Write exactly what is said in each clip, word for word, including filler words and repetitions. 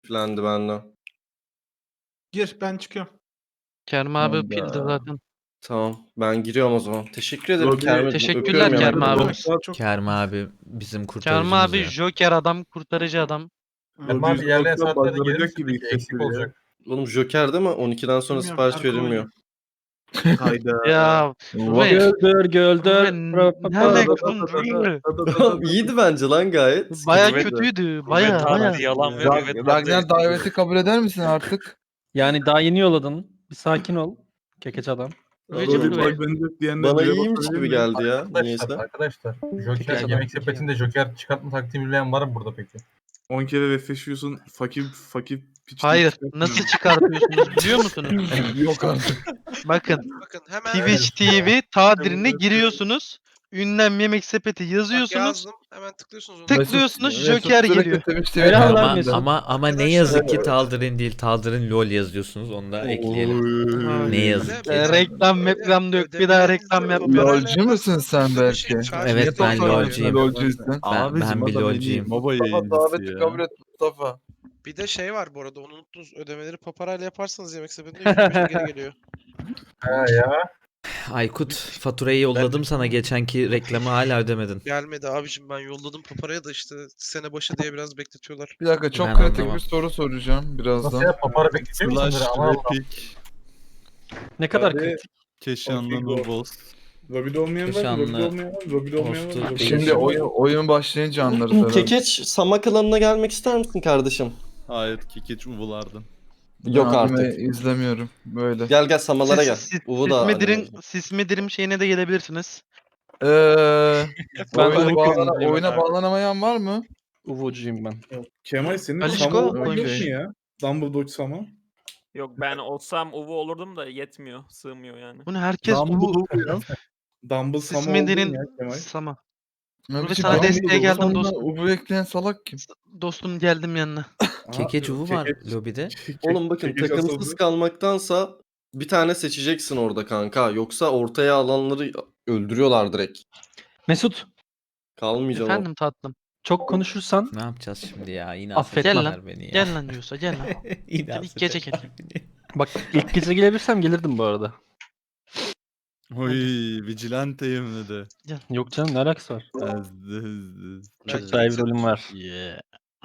Filendi bende. Gir, ben çıkıyorum. Kerem abi Hayda. pildi zaten. Tamam, ben giriyorum o zaman. Teşekkür ederim Robi- Kerem. Teşekkürler Öpüyorum Kerem yanaklarını. abi. Çok Kerem abi bizim Kerem kurtarıcımız abi ya. Joker adam, kurtarıcı adam. Erman abi ilerleyen saatlerde gelir misin gibi peki? Eksik olacak. Oğlum Joker değil mi? on ikiden sonra Bilmiyorum, sipariş Erko verilmiyor. Hayda. Ya What? Ruben, Göldür göldür. Ruben ne alaka oğlum Ruben? Tamam, iyiydi bence lan gayet. Baya Sıkıntı yok. kötüydü. Baya Ragnar baya. yalan ve Rag- Ragnar Ragnar daveti kabul eder misin artık? Yani daha yeni yolladın. Bir sakin ol. Kekeç adam. Rüveciğim Robi Ruben. bak bence diyenler Bana bire iyiymiş basabilir gibi miyim? geldi ya. Arkadaşlar, Niyeyse. arkadaşlar. Joker, Peki, yemek peki. sepetinde Joker çıkartma taktiği bilen var mı burada peki? on kere refleşiyorsun. Fakir fakir piç. Hayır. Nasıl çıkartıyorsunuz biliyor musunuz? Yok artık. Bakın. Bakın hemen Twitch T V tadirine giriyorsunuz. Ünlem yemek sepeti bak yazıyorsunuz. yazdım. Hemen tıklıyorsunuz onu. Tıklıyorsunuz Mesut Joker direkt geliyor. Twitch T V Helal lan Ama, Mesut. ama ama ne Arkadaşlar- yazık ki Taldir'in değil, Taldir'in LoL yazıyorsunuz. Onu da ekleyelim. Ne yazık ki. Ee, reklam meklam da yok. Bir daha reklam yapmıyorum. LoL'cu musun sen belki? Evet, ben LoL'cuyum. LoL'cuysun. Ben, ben bir LoL'cuyum. Mustafa daveti kabul et Mustafa. Bir de şey var bu arada onu unuttunuz. Ödemeleri paparayla yaparsanız yemek sepetinde yüz yirmi beşe geri geliyor. Ha ya. Aykut, faturayı yolladım sana, geçenki reklamı hala ödemedin. Gelmedi abicim, ben yolladım paparaya da işte sene başı diye biraz bekletiyorlar. Bir dakika çok Ben kritik anlamam. bir soru soracağım Nasıl birazdan. ya? Papara bekleyecek misin? Slash Ama Allah. replik Ne kadar Hadi. kritik. Keşanlı Nubos. Robi'de olmayan var mı? Keşanlı Robi'de olmayan var mı? Robi'de olmayan var mı? hostu Robi'de Şimdi olmayan var oyun mı? oyun başlayınca anlarız herhalde. Kekeç Sama klanına gelmek ister misin kardeşim? Hayır, Kekeç uvulardan. Yok Anime artık. izlemiyorum böyle. Gel gel Samalara gel. Siz, siz, Uvu da Sismedirin, Sismedirim şeyine de gelebilirsiniz. Eee Ben oyuna, de bağlana, bakıyorum. oyuna bağlanamayan var mı? Uvucuyum ben. Kemal senin Alişko Sama yok mu koymuş. ya? Dumbledore Sama. Yok, ben olsam Uvu olurdum da yetmiyor. Sığmıyor yani. Bunu herkes Uvu Dumbledore ya. Dumbledore Sama oldun Sismedirin ya Kemal. Sama. Ne Rubi biçim sana Dumbledore desteğe geldim sonuna dostum. Ubu ekleyen salak kim? Dostum geldim yanına. Kekeç uvu var Kekeç- lobide. Oğlum bakın Kekeç takımsız asıldı. kalmaktansa bir tane seçeceksin orada kanka. Yoksa ortaya alanları öldürüyorlar direkt. Mesut, Kalmayacağım. Efendim tatlım. çok konuşursan Ne yapacağız şimdi ya? Yine Affetmem. affetmezler beni ya. Gel lan diyorsa gel lan. Yine Hadi ilk gece affetmezler beni. bak ilk gece gelebilirsem gelirdim bu arada. Oy, Vigilante'yim dedi. Yok canım, ne alakası var? Ezdi ezdi. Çok Evet. daha iyi bir rolüm var. Yeah.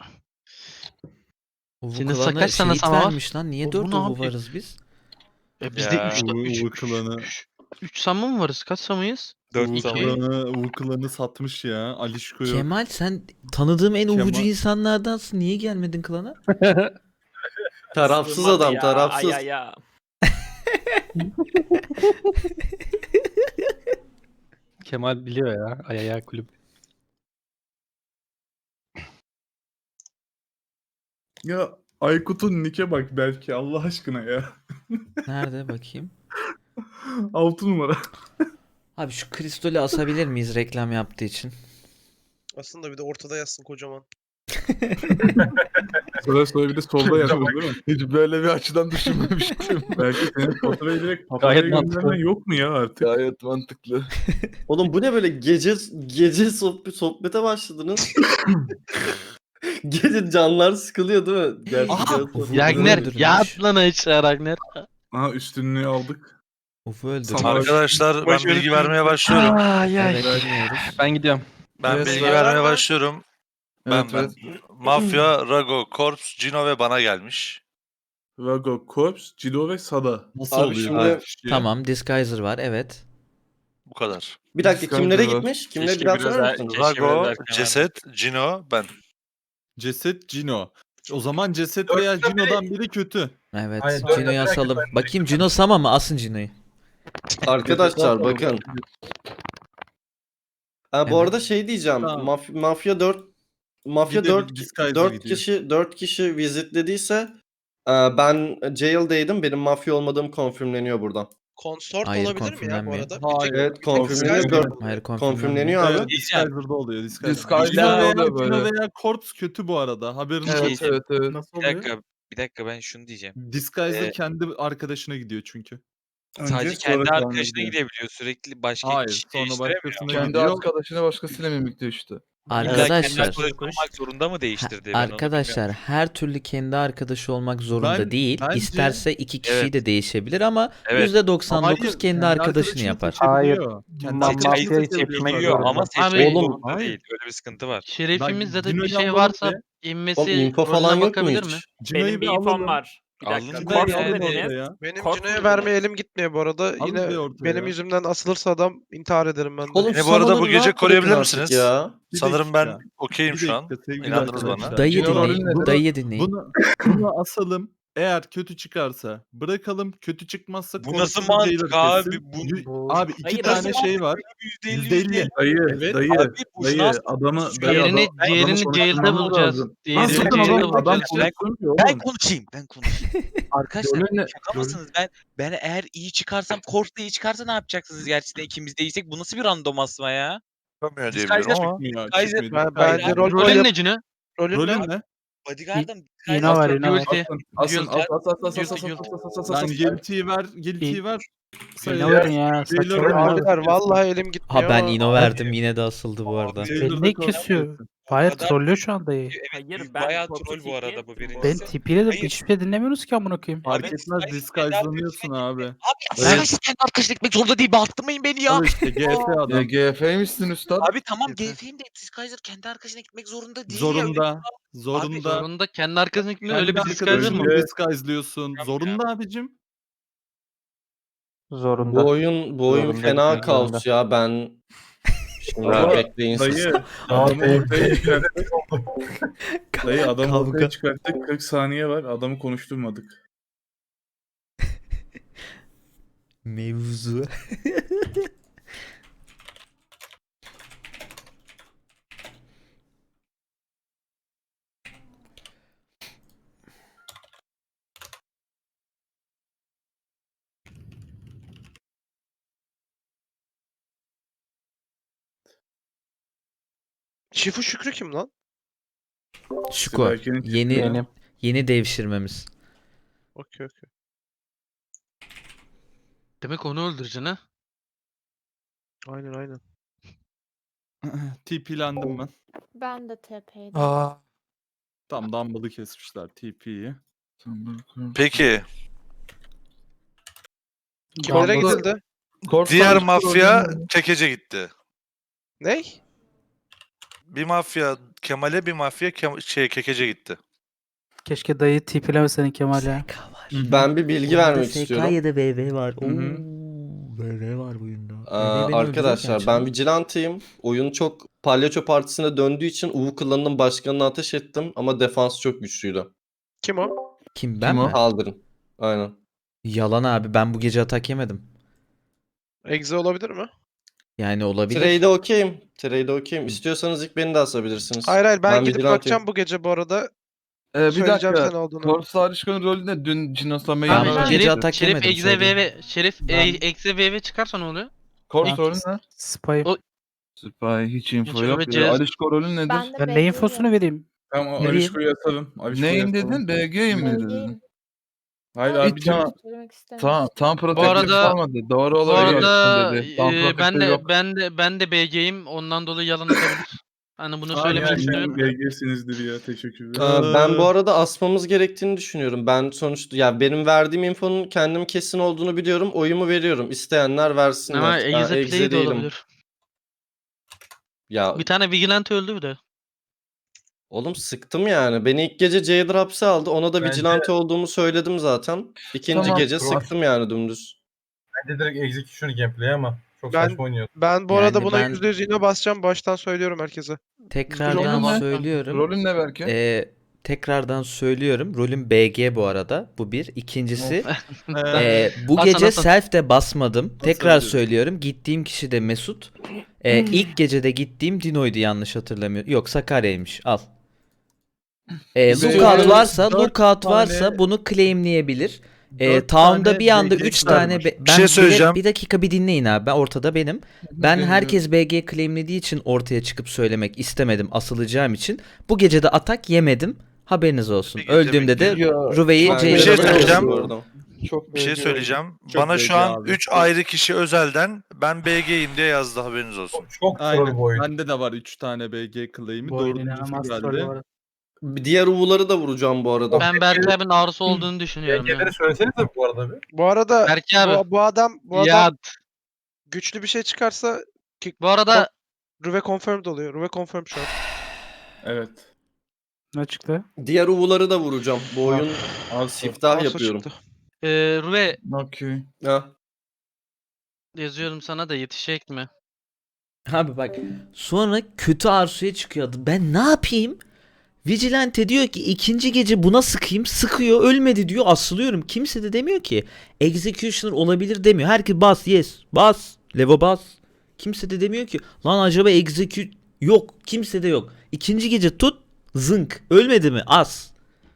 Uvu Senin klanı kaç tane şehit Sama var? vermiş lan. Niye Uvu dört ne uvu yapıyor? varız biz? E bizde Ya. üç Uvu- üç Uvu klanı. üç Sama mı varız? Kaç Sama'yız? Dört Uvu zaman. klanı, Uvu klanı satmış ya. Alişko yok. Kemal, sen tanıdığım en Kemal- uvucu insanlardansın. Niye gelmedin klana? Tarafsız Sığmadı adam, ya, tarafsız. Ay ay ya. Kemal biliyor ya. Ayaya kulüp. Ya Aykut'un nike bak belki Allah aşkına ya. Nerede bakayım? altı numara. Abi şu kristali asabilir miyiz reklam yaptığı için? Aslında bir de ortada yazsın kocaman. Sonra sonra bir de solda yazıyor değil mi? Hiç böyle bir açıdan düşünmemiştim. Belki senin faturayı direkt paparaya Gayet mantıklı. göndermen yok mu ya artık? Gayet mantıklı. Oğlum bu ne böyle gece gece sohbet, sohbete başladınız. Gece canlar sıkılıyor değil mi? Gerçekten. Uvu Ragnar öldürmüş. yat lan aşağı Ragnar. Aha üstünlüğü aldık. Uvu öldürmüş. Sama- Arkadaşlar ben Boş verin. bilgi vermeye başlıyorum. Ay ay. Evet, dinliyoruz. Ben gidiyorum. Ben Evet, bilgi ver. vermeye başlıyorum. Ben Evet, ben. evet. Mafya, Rago, Corps, Cino ve bana gelmiş. Vago, Corps, Cido ve Sada. Nasıl Abi oluyor? şimdi- bu iş ya? Tamam, Disguiser var, evet. Bu kadar. Bir dakika Discord'da kimlere var. gitmiş? Kimlere Keşke bir daha biraz söyler er- misiniz? Keşke Rago, biraz erken Ceset, Cino, ben. Ceset Cino. O zaman Ceset veya Cino'dan biri kötü. Hayır, Evet, dört Cino'yu dakika asalım. ben- Bakayım Cino Sama mı? Asın Cino'yu. Arkadaşlar bakın. Ha, bu Evet. arada şey diyeceğim. Tamam. Maf- Mafya dört Mafya Bir de dört Disguiser dört gidiyor. kişi dört kişi visitlediyse e, ben jail'daydım. Benim mafya olmadığım konfirmleniyor buradan. Konsort Hayır, olabilir mi ya bu konfirmlenmiyor. arada? Hayır. Bir tek Evet konfirmleniyor. Disguiser- dört- Hayır, Konfirmleniyor konfirmleniyor. abi. Disguiser'da oluyor. Disguiser. Disguiser'da Cino veya, oluyor böyle. Cino veya Corps kötü bu arada. Haberiniz Evet olsun. evet evet. Nasıl Bir oluyor? dakika, bir dakika ben şunu diyeceğim. Disguiser Ee, kendi arkadaşına gidiyor çünkü. Önce, Sadece sonra kendi tahmin arkadaşına ediyor. gidebiliyor. Sürekli başka Hayır, kişi sonra değiştiremiyor. başkasına Kendi gidiyor. arkadaşına başkasıyla mimikliyor işte. Arkadaşlar, olmak zorunda mı değiştirdi? arkadaşlar her türlü kendi arkadaşı olmak zorunda Ben- değil. bence- İsterse iki kişi Evet. de değişebilir ama Evet. yüzde doksan dokuz Hayır, kendi arkadaşını yapar. Hayır. Kendi Ma- arkadaşını mafyayı seçebiliyor seçmek kanka. zorunda. Abi- Oğlum, Hayır. değil. Öyle bir sıkıntı var. Şerefimiz ya da bir Cino'yu şey alalım varsa be. inmesi Oğlum info rolüne falan yok mu bakabilir mi? hiç? Cino'yu Benim bir bir infom alalım. var. Bir dakika. Alın Bir Korp de yani. dediniz. alalım oraya. Benim Kork Cino'ya dediniz. vermeye elim gitmiyor bu arada. Alın Yine bir ortaya benim ya. yüzümden asılırsa adam intihar ederim ben de. Oğlum Beni bu arada bu Summoner'ı gece rahat koruyabilir bırakın artık misiniz? Ya. Bir Sanırım dakika. ben okeyim Bir şu an. dakika sevgili İnandınız bana. arkadaşlar. Dayı Cino rolün dinleyin. nedir? Dayı dinleyin. Bunu, bunu asalım. Eğer kötü çıkarsa bırakalım. Kötü çıkmazsa Bu nasıl korkusuz mantık jailer abi? kessin. Bu- Yü- Abi iki Hayır, tane nasıl şey var. yüzde elli. Dayı, Evet, dayı, abi, boşuna dayı, aslında adamı, konuşuyor. dayı, Diğerini, adam- adamı diğerini konuşturmamız jail'de bulacağız. lazım. Lan Diğerini sakın jail'de adam, adam bulacağız. konuşturmuyor Ben oğlum. konuşayım, ben konuşayım. Arkadaşlar Rolün ne? şaka mısınız? Ben ben eğer iyi çıkarsam, Kork da iyi çıkarsa ne yapacaksınız gerçekten ikimiz değilsek? Bu nasıl bir random asma ya? Yapamıyor diye Disguise'da biliyorum ama. Ya, Kaiser- çıkmıyor. Ben, Hayır, bence hayır. rol Rolün yap. ne Cino? Rolün Rolün ne? ne? Bodyguard'ım. Yine var, yine var. Guilty. Asın Guilty. as as as as as Guilty, as guilty. as as as Lan as. guilty'yi ver, guilty'yi ver. Ne verin ya? Jailer Saçmalama. rolü Abiler alsın. vallahi elim gitmiyor Ha ben ama- ino verdim yine de asıldı bu arada. Jailer'da Beni ne korkusuz kesiyor? kessin. Hayır kadar- trollüyor şu anda. Evet, Hayır, ben bayağı Kork'u troll bu arada bu TP birincisi. Ben tipiyle de Hayır. hiçbir şey dinlemiyoruz ki amına koyayım. Fark Evet, etmez Disguise- disguise'lanıyorsun abi. Abi arkadaşlar kendi arkadaşına gitmek zorunda değil. Bağırtmayın beni ya. Al işte G F Ya adam. G F'ymişsin üstad. Abi tamam G F'yim de Disguiser kendi arkadaşına gitmek zorunda değil ya. Zorunda. Zorunda. Zorunda kendi arkasına gitmiyor. Öyle bir Kendi disguiser mı? arkadaşını disguise'lıyorsun. Tabii Zorunda abicim. Zorunda. Bu oyun bu oyun Zorunda fena gitmek kaos zorunda. ya ben şimdi Ama bekleyin siz. Dayı adamı ortaya çıkarttık. Dayı adamı Kavga. ortaya çıkarttık. kırk saniye var. Adamı konuşturmadık. Mevzu. Şifu Şükrü kim lan? Şuko. Siberken'in Yeni çıkıyor. Benim. yeni devşirmemiz. Okey okey. Demek onu öldüreceksin ha? Aynen aynen. T P'lendim ben. Ben de T P'ydim. Aa. Tam Dumble'ı kesmişler T P'yi. Peki Kimlere Kork'ta- gidildi? Kork diğer sandık mafya rolünü- Kekece gitti. Ney? Bir mafya Kemal'e, bir mafya Kem- şey Kekece gitti. Keşke dayı tipilemesenin Kemal ya. S K var. Ben bir bilgi vermek istiyorum. S K ya da V V var. Hı hı. V V var bu oyunda. Aa, arkadaşlar ben vigilanteyim. Oyun çok palyaço partisine döndüğü için U klanının başkanına ateş ettim ama defans çok güçlüydü. Kim o? Kim ben Kim o? mi? Kaldırın. Aynen. Yalan abi ben bu gece atak yemedim. Exe olabilir mi? Yani olabilir. Trade'e okeyim. Trade'e okeyim. İstiyorsanız ilk beni de asabilirsiniz. Hayır hayır ben, Ben gidip vigilanteyim. bakacağım bu gece bu arada. Ee, bir Söyleyeceğim dakika. sen olduğunu. Kork Sarışkan'ın rolü ne? Dün Cino'sla Abi Ben Meydan'a bu gece Şerif, atak Şerif yemedim, Exe söyleyeyim. V V. Şerif Ben- e, Exe V V çıkarsa ne oluyor? Kork Ben- rolü ne? Spy. O- Süper hiç info Hiç yok. öğreteceğiz. Ya. Alişko rolü nedir? Ben de Ben ne B'yim. infosunu vereyim? Tamam o Ne Alişko'yu atalım. Alişko'yu Neyin atalım. dedin? B G'yim mi dedin? B'yim. Hayır Ama abicim. tamam. söylemek istemiyorum. Tamam, tam protective arada- olmadı. Doğru Bu olabilir arada dedi. Tam e, ben protective de yok. ben de ben de B G'yim. Ondan dolayı yalan atabilir. Hani bunu Aa, söylemek yani istiyorum. B G'sinizdir ya teşekkürler. Aa, ben bu arada asmamız gerektiğini düşünüyorum. Ben sonuçta ya benim verdiğim infonun kendim kesin olduğunu biliyorum. Oyumu veriyorum. İsteyenler versinler. Ama Ben Exe Exe Play de değilim. olabilir. Ya Bir tane Vigilante öldü bir de. oğlum sıktım yani. Beni ilk gece Jailer hapse aldı. Ona da Bence- vigilante olduğumu söyledim zaten. İkinci Tamam, gece tamam. sıktım yani dümdüz. Bence direkt execution gameplay ama çok Ben- saçma oynuyor. Ben bu arada Yani buna ben- yüzde yüz yine basacağım. Baştan söylüyorum herkese. Tekrardan Rolün ne? söylüyorum. Rolün ne belki? Ee, tekrardan söylüyorum. Rolüm B G bu arada. Bu bir. İkincisi ee, bu Hasan, gece Hasan. self de basmadım. Tekrar diyorum. söylüyorum. Gittiğim kişi de Mesut. Ee, ilk gecede gittiğim Dino'ydu yanlış hatırlamıyorum. Yok Sakarya'ymış. Al. Ee, Bize lookout varsa, dört lookout tane- varsa bunu claimleyebilir. Ee, dört town'da tane bir anda B G üç var. tane be- Bir ben şey bir- söyleyeceğim. Bir, dakika bir dinleyin abi. Ben ortada benim. Ben herkes B G claimlediği için ortaya çıkıp söylemek istemedim asılacağım için. Bu gece de atak yemedim. Haberiniz olsun. Bir gece Öldüğümde de bekliyor. Ruve'yi Ben- Bir şey Jailer'a söyleyeceğim. Bu arada. Çok Bir şey B G söyleyeceğim. Çok Bana B G şu an abi. üç ayrı kişi özelden ben B G'yim diye yazdı, haberiniz olsun. Çok troll Aynen. bu oyun. Bende de var üç tane B G claim'i. Bu oyun Dördüncüsü inanılmaz troll geldi. bu arada. Diğer U'ları da vuracağım bu arada. Ben Berke abinin ağrısı olduğunu düşünüyorum ya. B G'leri söylesenize bu arada bir. Bu arada Berke abi. bu, bu adam bu adam Ya güçlü bir şey çıkarsa bu arada Ruve confirmed oluyor. Ruve confirmed şu an. Evet. Ne çıktı? Diğer U'ları da vuracağım. Bu oyun Arso. siftah Arso yapıyorum. çıktı. e, Ruve Okey. Ha. yazıyorum sana da yetişecek mi? Abi bak sonra kötü Arsu'ya çıkıyor adı. Ben ne yapayım? Vigilante diyor ki ikinci gece buna sıkayım. Sıkıyor ölmedi diyor asılıyorum. Kimse de demiyor ki Executioner olabilir demiyor. Herkes bas yes bas levo bas. Kimse de demiyor ki lan acaba execute yok. Kimse de yok. İkinci gece tut zınk ölmedi mi as.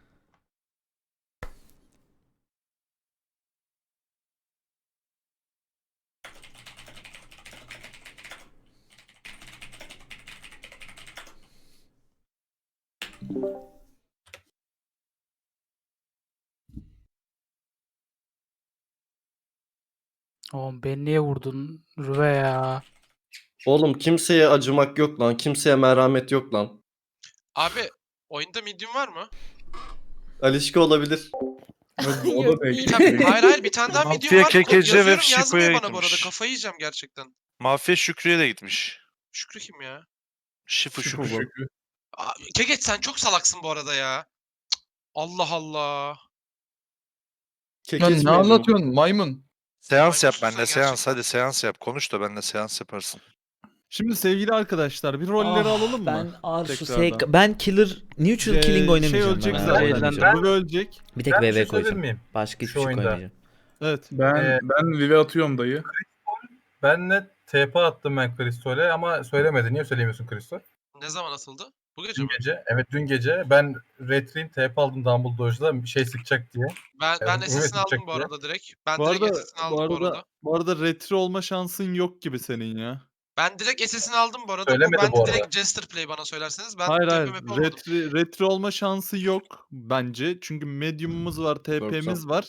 Oğlum beni niye vurdun Rüve ya? Oğlum kimseye acımak yok lan. Kimseye merhamet yok lan. Abi oyunda medium var mı? Alişka olabilir. O da belki. Tabii, hayır hayır bir tane daha medium Mafya, var. Kekece ve Yazıyorum Şiko'ya yazmıyor bana bu gitmiş. arada. Kafayı yiyeceğim gerçekten. Mafya Şükrü'ye de gitmiş. Şükrü kim ya? Şifu Şükrü Şükrü. Şükrü. Aa, Kekeç sen çok salaksın bu arada ya. Cık, Allah Allah. Ya Kekeç ne miydi? anlatıyorsun maymun? Seans yap Maymunsun benimle, sen seans. gerçekten. Hadi seans yap. Konuş da benimle seans yaparsın. Şimdi sevgili arkadaşlar bir rolleri Ah, alalım mı? Ben Arsu Tekrardan. S K ben killer neutral Ee, killing şey oynamayacağım. ölecek ben, zaten. oynamayacağım. Bu ölecek. Bir tek Ben bir V V şey koyacağım. söyleyebilir miyim? Başka hiçbir Şu şey oyunda. koymayacağım. Evet. Ben Ee, ben Vive atıyorum dayı. Benle T P attım ben Kristol'e ama söylemedi. Niye söylemiyorsun Kristol? Ne zaman atıldı? Bu gece Dün mi? gece. Evet dün gece. Ben Retri'nin T P aldım Dumbledore'da bir şey sıkacak diye. Ben ben Evet, S S'ini evet, aldım çıkacak bu diye. arada direkt. Ben Bu direkt arada, S S'ini aldım bu bu arada, arada. bu arada retro olma şansın yok gibi senin ya. Ben direkt S S'ini aldım bu arada. Bu Söylemedi ben bu de arada. direkt Jester Play bana söylerseniz. Ben hayır hayır. T P M P olmadım. Retro, retro olma şansı yok bence. Çünkü medium'umuz var, T P'miz var.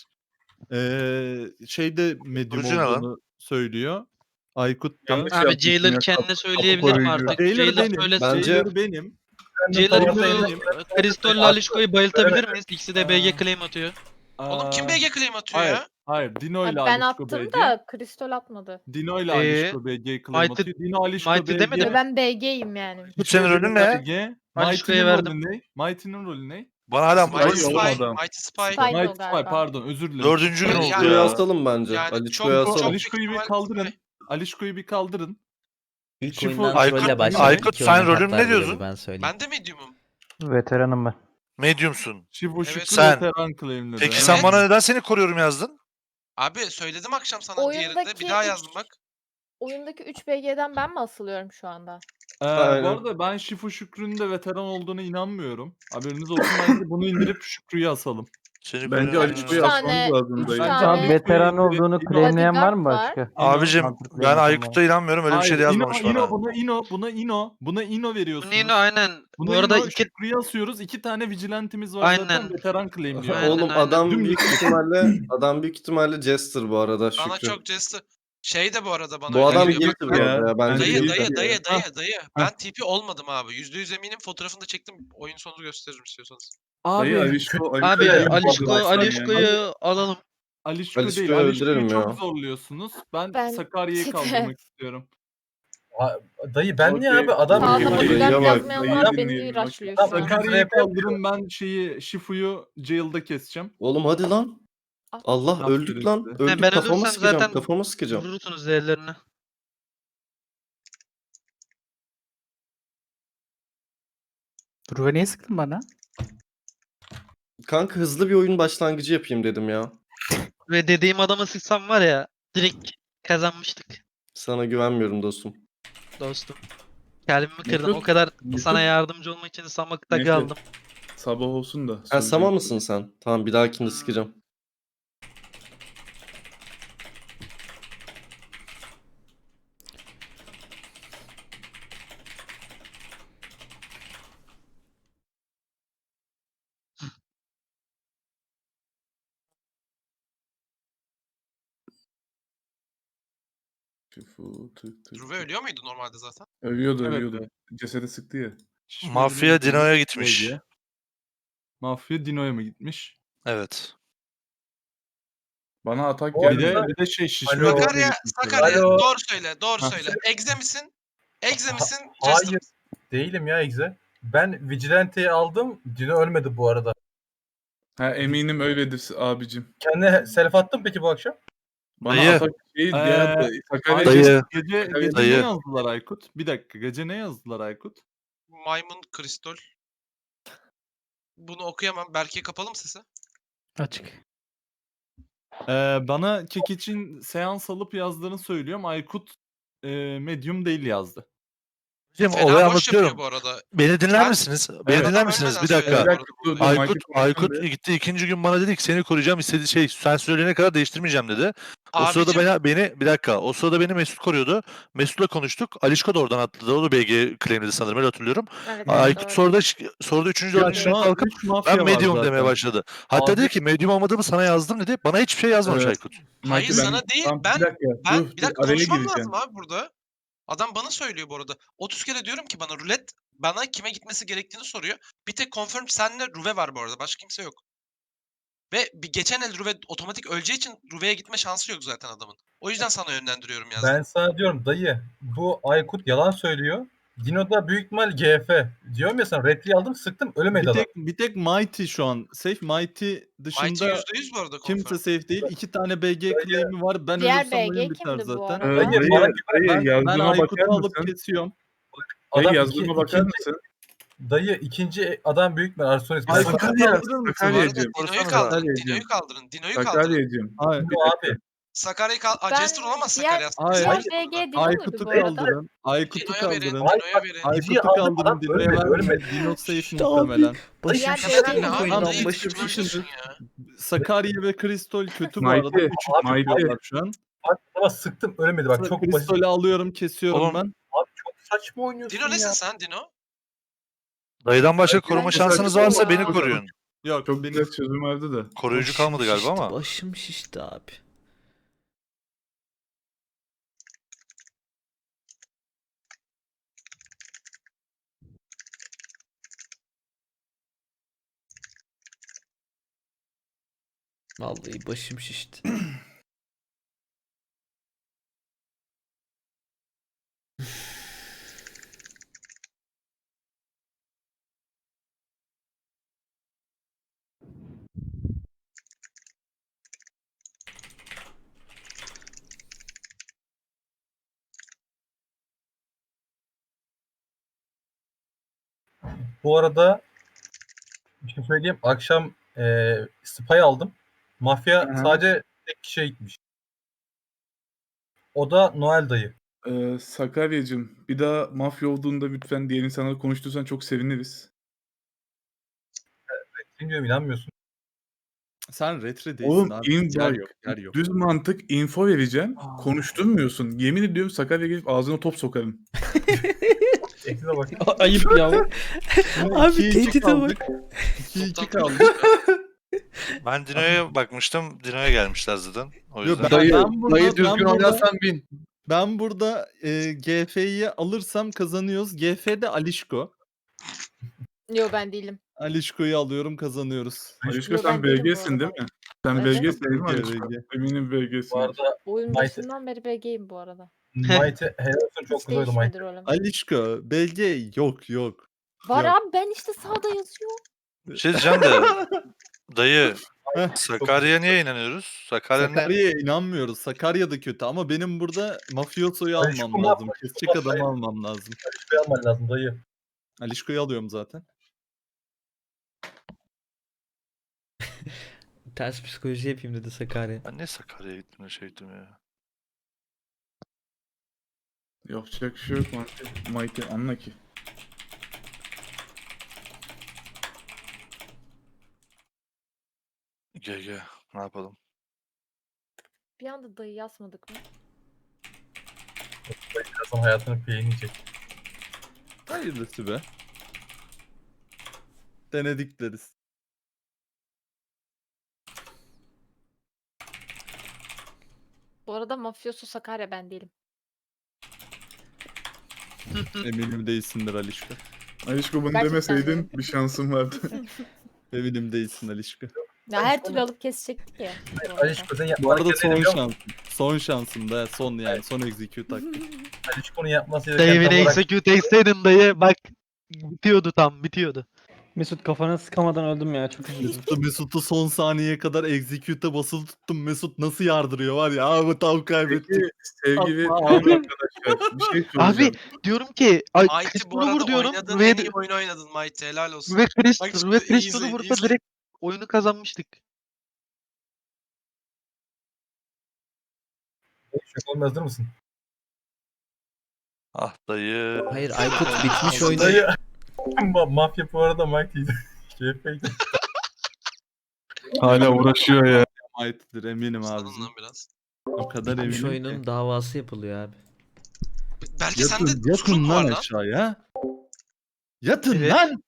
Ee, şeyde medium Kurucu ne lan? olduğunu söylüyor. Aykut da. Yanlış Abi yapmışsın Jailer ya, kendine kapı- söyleyebilir mi koruyucu. artık? Jailer Jailer benim. söylesin. Bence- Jailer benim. Jailer Tamam, bunu Kristol'le Alişko'yu bayıltabilir miyiz? İkisi de B G claim atıyor. Oğlum kim Aa, B G claim atıyor hayır, ya? hayır. Dino ile Ben Alişko attım B G. da Kristol atmadı. Dino ile Ee, Alişko B G claim Mighty- atıyor. Dino Alişko Mighty B G. demedi Ve mi? ben B G'yim yani. Bu senin rolün ne? B G. Alişko'ya Mighty'nin verdim. rolü ne? Mighty'nin rolü ne? Bana hala Mighty Spy Spy. olmadı. Mighty Spy. Spy. Aynen o Mighty Spy galiba. pardon özür dilerim. dördüncü gün Yani- oldu Alişko'yu ya. asalım bence. Yani Alişko'yu çok- asalım. çok- Alişko'yu bir ihtimal- kaldırın. Alişko'yu bir kaldırın. İlk Şifo- oyundan Aykut- trolle başladık. Aykut, İki sen oyunun rolün hatta ne bile diyorsun? Ben söyleyeyim. Ben de medium'um. Veteranım ben. Mediumsun. Şifu Evet. Şükrü Sen- veteran claimledi. Peki Evet. sen bana neden seni koruyorum yazdın? Abi söyledim akşam sana diğerinde. Oyundaki Bir daha üç- yazdım bak. Oyundaki üç B G'den ben mi asılıyorum şu anda? Ee, bu Aynen. arada ben Şifu Şükrü'nün de veteran olduğuna inanmıyorum. Haberiniz olsun bence bunu indirip Şükrü'yü asalım. Seni Bence koruyorum. Alişko'yu Üç asmamız tane- lazım üç dayı. tane- Bence Abi Alişko'yu veteran indirip olduğunu Dino- claimleyen var mı Bodyguard başka? Abicim Mantıklı ben yapalım Aykut'a inanmıyorum. Öyle bir şey de Hayır, yazmamış Ino, bana. Ino, buna Ino, buna Ino, buna Ino veriyorsunuz. Nino aynen. Buna Bu arada Ino, iki Şükrü'yü asıyoruz. İki tane vigilantimiz var zaten Aynen. veteran claimliyor. Aynen, Oğlum aynen. adam Dümdüz büyük ihtimalle adam büyük ihtimalle Jester bu arada Bana Şükrü. çok Jester. Şey de bu arada bana Bu öyle adam geliyor. Guilty Bak, bu arada ya. Bence Dayı, Dayı Guilty. dayı dayı dayı Hah. dayı. Ben T P olmadım abi. Yüzde yüz eminim, fotoğrafını da çektim. Oyun sonunu gösteririm istiyorsanız. Abi, Dayı Alişko, Abi Alişko yani Alişko, baksana yani. Alişko'yu alalım. Alişko Alişko'yu değil. Alişko'yu öldürelim çok ya. zorluyorsunuz. Ben, Ben Sakarya'yı Tite. kaldırmak istiyorum. Ha, Dayı ben niye Okey. abi? Adam Sağda Dayıya bodyguard bak, yazmayanlar dayıyı beni dinleyelim, bak. rushlıyor Tamam, şu an. özür Sakarya'yı rap yapıyor. kaldırın ben şeyi Şifu'yu jail'da keseceğim. Oğlum hadi lan. Ah. Allah Aferin öldük lan. size. Öldük ben kafama ölürsem sıkacağım. zaten Kafama sıkacağım. Vurursunuz değerlerini. Rüve niye sıktın bana? Kanka hızlı bir oyun başlangıcı yapayım dedim ya. Ve dediğim adama sıksam var ya direkt kazanmıştık Sana güvenmiyorum dostum. dostum. Kalbimi kırdın. Mesut, O kadar Mesut. sana yardımcı olmak için samakta Neyse. kaldım. Sabah olsun da. Ha sonra- Sama mısın sen? Tamam bir dahakinde sıkacağım. Tüfu, tık tık. Ruve ölüyor muydu normalde zaten? Ölüyordu Evet, ölüyordu. evet. Cesede sıktı ya. Şöyle Mafya bir Dino'ya bölge. gitmiş. Mafya Dino'ya mı gitmiş? Evet. Bana atak Bu Bir geldi. de, bir de şey şişme Alo. bölgeye Sakarya, gitmiş. Sakarya Alo. doğru söyle, doğru Ha. söyle. Egze misin? Egze misin? Hayır. Jester misin? Değilim ya Egze. Ben Vigilante'yi aldım. Dino ölmedi bu arada. Ha eminim öyledir abicim. Kendine self attın peki bu akşam? Bana Dayı. atak şey Ee, ya Sakarya Aykut, Dayı. Gece, Sakarya- gece ne Dayı. yazdılar Aykut? Bir dakika, gece ne yazdılar Aykut? Maymun kristol. Bunu okuyamam. Berke kapalı mı sesi? Açık. Ee, bana kek için seans alıp yazdığını söylüyorum. Aykut e, medium değil yazdı. Hocam Fena olayı boş yapıyor anlatıyorum. bu arada. Beni dinler Sen- misiniz? Bu Beni adam dinler misiniz? ölmeden Bir söyledi dakika. bu arada dur, bu dur, olayı. Aykut, Michael Aykut konuşsun gitti ikinci gün bana dedi ki seni koruyacağım istedi şey sen söyleyene kadar değiştirmeyeceğim dedi. O sırada Abicim, beni, beni bir dakika o sırada beni Mesut koruyordu. Mesut'la konuştuk. Alişko da oradan atladı. O da B G claimledi sanırım öyle hatırlıyorum. Evet, Aykut doğru. sonra da sonra da üçüncü Ya dördüncü şu gün an kalkıp üç mafya ben var medium zaten. demeye başladı. Hatta Abi- dedi ki medium olmadığımı sana yazdım dedi. Bana hiçbir şey yazmamış Evet. Aykut. hayır Michael, sana değil. Tamam, Ben bir dakika, ben dur, bir dur, dakika araya konuşmam gireceğim. lazım abi burada. Adam bana söylüyor bu arada. otuz kere diyorum ki bana rulet bana kime gitmesi gerektiğini soruyor. Bir tek confirm senle Ruve var bu arada. Başka kimse yok. Ve bir geçen el Ruve otomatik öleceği için Ruve'ye gitme şansı yok zaten adamın. O yüzden sana yönlendiriyorum yazdım. Ben sana diyorum dayı bu Aykut yalan söylüyor. Dino da büyük ihtimal G F. Diyorum ya sana repliği aldım sıktım ölemedi Bir adam. tek, bir tek Mighty şu an safe. Mighty Mighty dışında yüzde yüz bu arada confirm. kimse safe değil. İki tane B G claim'i var. Ben Diğer ölürsem B G oyun biter kimdi bu zaten. arada? Ee, Dayı, dayı, bana- dayı Ben, ben yazdığıma Aykut'u bakar alıp mısın? kesiyorum. Dayı Adam yazdığıma iki- bakar ikinci- mısın? Dayı ikinci adam büyük ihtimal Arsonis. Aykut'u Sakarya, kaldırır mısın? Bu arada Sakarya'cığım. Dino'yu Sorsana kaldırın. Sakarya'cığım. Dino'yu kaldırın. Dino'yu kaldırın. Sakarya'cığım. Hayır. Bir Dino dakika. abi. Sakarya'yı kal... Aa, Ben Jester olamaz diğer- Sakarya. Hayır. Diğer Jester B G burada. değil muydu Aykut'u bu arada? kaldırın. Aykut'u Dino'ya verin. kaldırın. Ay, Dino'ya verin. Aykut'u İkinciyi aldım, kaldırın. adam Dino'ya ölmedi, vermeyin. ölmedi. Dino safe İşte muhtemelen. abi. Başım Diğer şişti. B G Ne abi? Tamam, Dayı başım saçma şişti. diyorsun ya. Sakarya ve Kristol kötü bu Mighty, arada. Üç Mighty. yapıyorlar şu an. Bak ama sıktım ölemedi bak çok basit. Kristol'ü alıyorum, kesiyorum Oğlum, ben. Abi çok saçma oynuyorsun Dino ya. nesin sen Dino? Dayıdan başka Belki koruma bence şansınız saçma varsa ya. beni koruyun. Yok, Çok benim güzel çözüm verdi de. Koruyucu Başım kalmadı galiba şişti, ama. Başım şişti abi. Vallahi başım şişti. Bu arada bir şey söyleyeyim. Akşam e, spy aldım. Mafya Hı hı. sadece tek kişiye gitmiş. O da Noel dayı. Ee, Sakarya'cığım bir daha mafya olduğunda lütfen diğer insanlarla konuştursan çok seviniriz. Bilmiyorum inanmıyorsun. sen retre değilsin Oğlum abi. in yer bak, yok, yer yok. düz mantık info vereceğim. Konuşturmuyorsun. Yemin ediyorum Sakarya gelip ağzına top sokarım. Eksize bak. Ayıp ya. Abi ikiye iki tehdide kaldık. bak. ikiye iki Toptan kaldık. Ben Dino'ya bakmıştım. Dino'ya gelmişler zaten. O Yo, yüzden. ben- Dayı, ben burada- dayı ben düzgün burada- oynarsan bin. Ben burada e, G F'yi alırsam kazanıyoruz. G F'de Alişko. Yok ben değilim. Alişko'yu alıyorum, kazanıyoruz. Alişko Yo, sen ben değilim bu B G'sin değil arada. mi? Sen Evet. B G'sin değil mi B G, Alişko? B G. Eminim B G'sin. Bu arada Oyun Mighty- başından beri B G'yim bu arada. Mighty helal olsun çok Hiç güzel oynadı Mighty. değişmedi rolüm. Alişko, B G yok yok. Var Yok. abi ben işte sağda yazıyor. Bir şey diyeceğim de. Dayı. Heh. Sakarya'ya niye inanıyoruz? Sakarya ne? Sakarya'ya inanmıyoruz. Sakarya da kötü ama benim burada mafyosoyu Alişko almam ne lazım. yapmış? Kesecek Alişko adamı yapmış. almam lazım. Şey alman lazım dayı. Alişko'yu alıyorum zaten. Ters psikoloji yapayım dedi Sakarya. Ben niye Sakarya'ya gittim de şey ettim ya. Yapacak bir şey yok Mighty. Mighty anla ki. G G. Ne yapalım? Bir anda dayı yazmadık mı? Dayı birazdan hayatını peyneyecek. Hayırlısı be. Denedik deriz. Bu arada mafyosu Sakarya ben değilim. Eminim değilsindir Alişko. Alişko bunu Gerçekten demeseydin değil. bir şansın vardı. Eminim değilsin Alişko. Ya her türlü alıp kesecektik ya. Alişko sen Bu arada yapmak son gereken şansın. Son şansın da son yani son execute hakkı. Alişko'nun yapması Dayı gereken beni tam olarak execute etseydin dayı bak bitiyordu tam bitiyordu. Mesut kafana sıkamadan öldüm ya çok üzüldüm. Mesut'u, Mesut'u son saniyeye kadar execute'e basılı tuttum. Mesut nasıl yardırıyor var ya. Abi tam kaybettik. Peki sevgili Atma Kaan abi. arkadaşlar bir şey soracağım. Abi diyorum ki ay Mighty bu Crystal'ı arada vur diyorum oynadığın ve, en iyi oyunu oynadın Mighty. Helal olsun. ve Bak Crystal şimdi ve iyi Crystal'ı izleyin, iyi vursa izleyin. direkt oyunu kazanmıştık. şok olmaz, hazır mısın? Ah dayı. Hayır Aykut bitmiş oyunu. Dayı. Ma- Mafya bu arada Mighty'ydi. G F'ydi. Hala uğraşıyor ya. Ait'tir eminim Susadın abicim. lan biraz. O kadar Bitmiş eminim ki. oyunun davası yapılıyor abi. Belki sende Yatın, suçun yatın mu var lan lan? aşağıya. Yatın Evet. lan.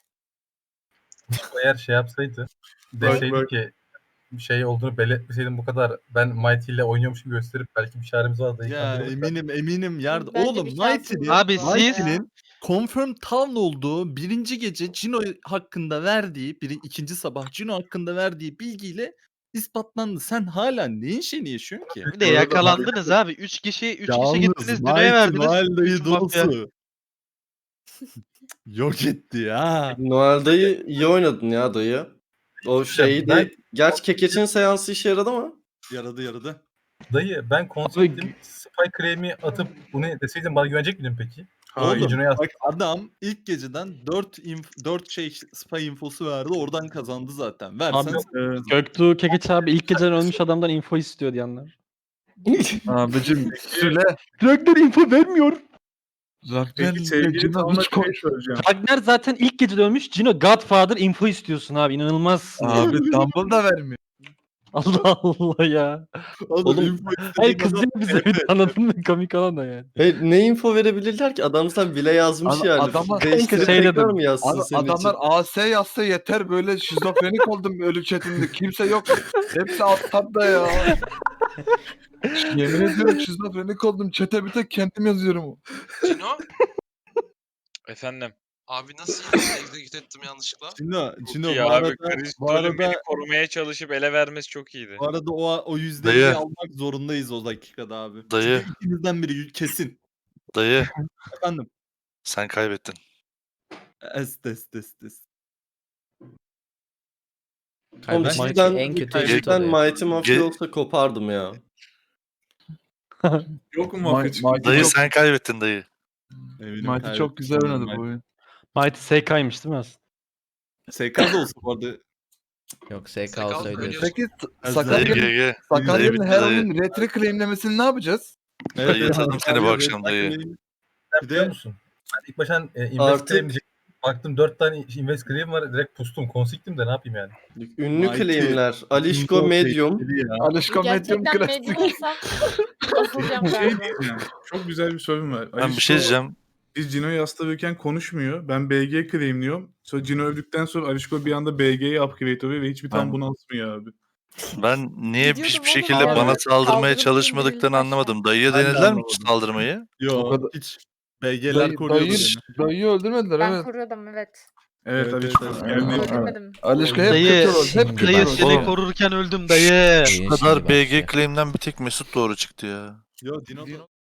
Eğer şey yapsaydı, Bak, deseydi bak. ki bir şey olduğunu belirtmeseydim bu kadar ben Mighty ile oynuyormuş gibi gösterip belki bir çaremiz vardı. Ya eminim eminim yardım. Bence Oğlum bir şansımız Mighty'nin Abi var siz- ya. Mighty'nin confirm town olduğu birinci gece Cino hakkında verdiği, biri, ikinci sabah Cino hakkında verdiği bilgiyle ispatlandı. Sen hala neyin şeyini yaşıyorsun ki? Bir de Bu arada yakalandınız abi. üç kişi üç kişi Yalnız gittiniz Dino'ya Mighty verdiniz. Noel dayı Üç mafya. dolusu. Yok etti ya. Noel dayı iyi oynadın ya dayı. O şeydi. Ben- Gerçi Kekeç'in seansı işe yaradı ama. Yaradı yaradı. Dayı ben konseptim Spy Claim'i atıp bunu deseydim bana güvenecek miydin peki? Hayır. Oğlum Cino'ya bak adam ilk geceden dört inf- dört şey spy infosu verdi. Oradan kazandı zaten. Versen Abi, sen- e, Göktuğ Kekeç abi ilk geceden ölmüş adamdan info istiyor diyenler. Abicim söyle. Ragnar info vermiyor. Peki sevgili Kaan'a bir şey soracağım. Ragnar zaten ilk gecede ölmüş. Cino Godfather info istiyorsun abi inanılmaz. Abi Dumble da vermiyor. Allah Allah ya. Oğlum, Oğlum, info istediğin Hayır adam- kızıyor bize bir de, anladın mı? Komik olan da yani. Hayır, ne info verebilirler ki? Adam sen bile yazmış Ad- yani. adama- Değiştirip şey tekrar dedim. mı yazsın Abi senin adamlar için? A S yazsa yeter, böyle şizofrenik oldum ölü chatinde. Kimse yok. Hepsi alt tabda ya. Yemin ediyorum şizofrenik oldum. Chat'e bir tek kendim yazıyorum. Cino? Efendim. Abi nasıl execute ettim yanlışlıkla? Cino, Cino Ya bu abi arada, bu Kristol'ün beni arada, korumaya çalışıp ele vermesi çok iyiydi. bu arada o, o yüzdeyi Dayı. almak zorundayız o dakikada abi. Dayı. Çünkü ikinizden biri kesin. Dayı Efendim. sen kaybettin. Est est est est. Oğlum Kaybetmek cidden, en kötü eşit cidden oluyor. Mighty Mafya Ge- olsa kopardım ya. Yok mu mafya çıktı? Dayı sen kaybettin dayı. Eminim Mighty çok güzel kaybettim oynadı bu ben. oyun. Mighty S K'ymış değil mi aslında? S K da olsa bu arada. Yok S K Sakal olsa öyle. söylüyorsun. Peki Dayı Dayı Sakarya'nın G G. Dayı Sakarya'nın bitti her dayı. oyun retro claimlemesini ne yapacağız? Dayı yatırdım seni bu Abi, akşam dayı. bir Bir biliyor de musun? Ben ilk baştan e, invest Artık- claim diyecektim. Baktım dört tane invest claim var, direkt pustum. Konsiktim de ne yapayım yani? Ünlü Mighty. claimler. Alişko info Medium. tehlikeli ya. Alışko Medium Gerçekten klasik. medyum olsam asılacağım Bir şey galiba. diyeceğim. Çok güzel bir sorun var. Ben bir şey diyeceğim. Biz Cino'yu hasta konuşmuyor. Ben B G claimliyorum. Sonra Cino öldükten sonra Alişko bir anda B G'yi upgrade oluyor ve hiçbir tam Ben- bunu asmıyor abi. Ben niye Gidiyordum hiçbir oğlum şekilde abi. bana saldırmaya Kaldırıp çalışmadıklarını indirildi anlamadım. Dayıya Ben de denediler mi anlamadım. saldırmayı? Yok kadar- hiç. B G'ler Dayı, koruyordu dayı, beni. dayıyı öldürmediler Ben evet. koruyordum evet. Evet, Evet, Alişko. evet, evet. Yani Evet. Öldürmedim. Alışko hep Dayı- kötü rol. Hep kötü Dayı rol. seni Oğlum. korurken öldüm dayı. Bu kadar B G claim'den bir tek Mesut doğru çıktı ya. Yo Dino